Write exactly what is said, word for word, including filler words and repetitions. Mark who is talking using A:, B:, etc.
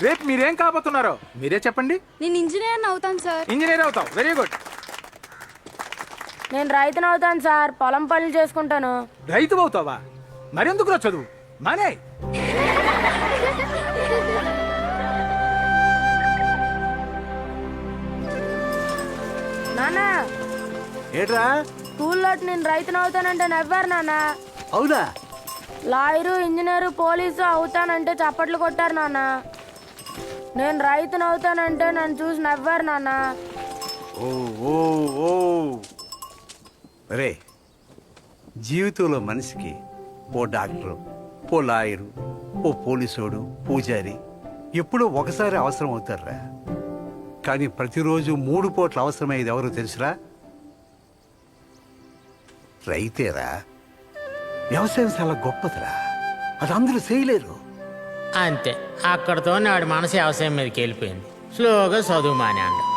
A: రేపు మీరేం కాబోతున్నారో మీరే చెప్పండి.
B: నేను ఇంజనీర్ అవుతాను సార్.
A: ఇంజనీర్ అవుతావు, వెరీ గుడ్.
C: నేను రైతును అవుతాను సార్, పొలం పనులు చేసుకుంటాను.
A: రైతు అవుతావా? మరెందుకు చదువు మానే.
C: నాన్న
D: ఏట్రా?
C: స్కూల్లో నేను రైతును అవుతానంటే నవ్వారు నాన్న.
D: అవునా?
C: లాయరు, ఇంజనీరు, పోలీసు అవుతానంటే చప్పట్లు కొట్టారు నాన్న. నేను రైతును అవుతానంటే నన్ను చూసి నవ్వారు నాన్న.
D: ఓ ఓ ఓ రే, జీవితంలో మనిషికి ఓ డాక్టరు, ఓ లాయరు, ఓ పోలీసోడు, పూజారి ఎప్పుడో ఒకసారి అవసరం అవుతారా. కానీ ప్రతిరోజు మూడు పూట్ల అవసరమయ్యేది ఎవరో తెలుసురా? రైతేరా. వ్యవసాయం చాలా గొప్పదిరా, అది అందరూ చేయలేరు.
E: అంతే, అక్కడితో నాడు మనసు వ్యవసాయం మీదకి వెళ్ళిపోయింది. స్లోగా చదువు మానేండు.